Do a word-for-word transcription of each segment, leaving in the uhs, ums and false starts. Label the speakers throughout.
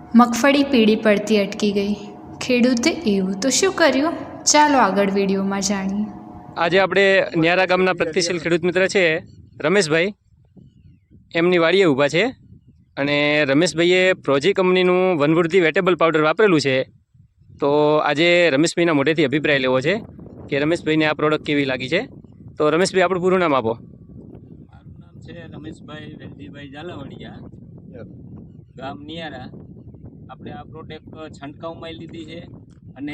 Speaker 1: મગફળી પીળી પડતી અટકી ગઈ. ખેડૂતે એવું તો શું કર્યું? ચાલો આગળ વિડીયોમાં જાણીએ.
Speaker 2: આજે આપણે ન્યારા ગામના પ્રગતિશીલ ખેડૂત મિત્ર છે રમેશભાઈ, એમની વાડીએ ઊભા છે અને રમેશભાઈએ પ્રોજી કંપનીનું વનવૃદ્ધિ વેટેબલ પાવડર વાપરેલું છે. તો આજે રમેશભાઈના મોઢેથી અભિપ્રાય લેવો છે કે રમેશભાઈને આ પ્રોડક્ટ કેવી લાગી છે. તો રમેશભાઈ, આપણું પૂરું નામ આપો.
Speaker 3: મારું નામ છે રમેશભાઈ વેલજીભાઈ ઝાલાવાડિયા, ગામ નિયારા. આપણે આ પ્રોડક્ટ છંટકાવમાં લીધી છે અને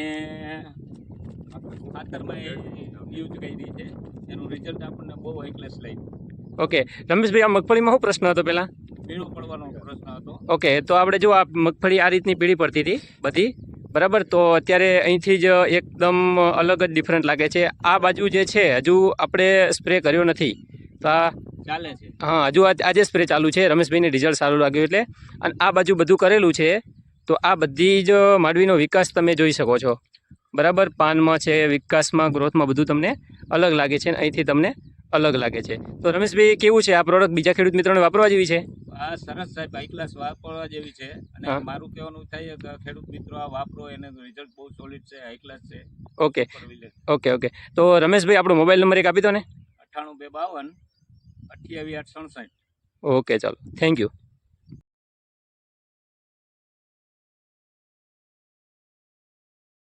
Speaker 3: ખાતરમાં યુઝ કરી છે. એનું રિઝલ્ટ આપણને બહુ હાઈ ક્લાસ લાગ્યું.
Speaker 2: ઓકે રમેશભાઈ, આ મગફળીમાં શું પ્રશ્ન હતો પહેલાં?
Speaker 3: પીળો પડવાનો પ્રશ્ન હતો.
Speaker 2: ઓકે, તો આપણે જો આ મગફળી આ રીતની પીળી પડતી હતી બધી, બરાબર. તો અત્યારે અહીંથી જ એકદમ અલગ જ ડિફરન્ટ લાગે છે. આ બાજુ જે છે હજુ આપણે સ્પ્રે કર્યો નથી, તો આ
Speaker 3: ચાલે છે.
Speaker 2: હા, હજુ આજે સ્પ્રે ચાલુ છે. રમેશભાઈને રિઝલ્ટ સારું લાગ્યું એટલે. અને આ બાજુ બધું કરેલું છે. તો આ બધી જ માંડવીનો વિકાસ તમે જોઈ શકો છો, બરાબર. પાનમાં છે, વિકાસમાં, ગ્રોથમાં બધું તમને અલગ લાગે છે અને અહીંથી તમને અલગ લાગે છે. તો રમેશભાઈ, કેવું છે આ પ્રોડક્ટ? બીજા ખેડૂત મિત્રોને વાપરવા જેવી છે?
Speaker 3: આ સરસ સાહેબ, હાઈ ક્લાસ વાપરવા જેવી છે. અને મારું કહેવાનું થાય કે ખેડૂત મિત્રો આ વાપરો, એને રિઝલ્ટ બહુ સોલિડ છે, હાઈ ક્લાસ છે.
Speaker 2: ઓકે ઓકે ઓકે તો રમેશભાઈ, આપણો મોબાઈલ નંબર એક આપી દો ને.
Speaker 3: અઠ્ઠાણું બે બાવન અઠ્યાવીસ આઠ સડસઠ.
Speaker 2: ઓકે, ચાલો, થેન્ક યુ.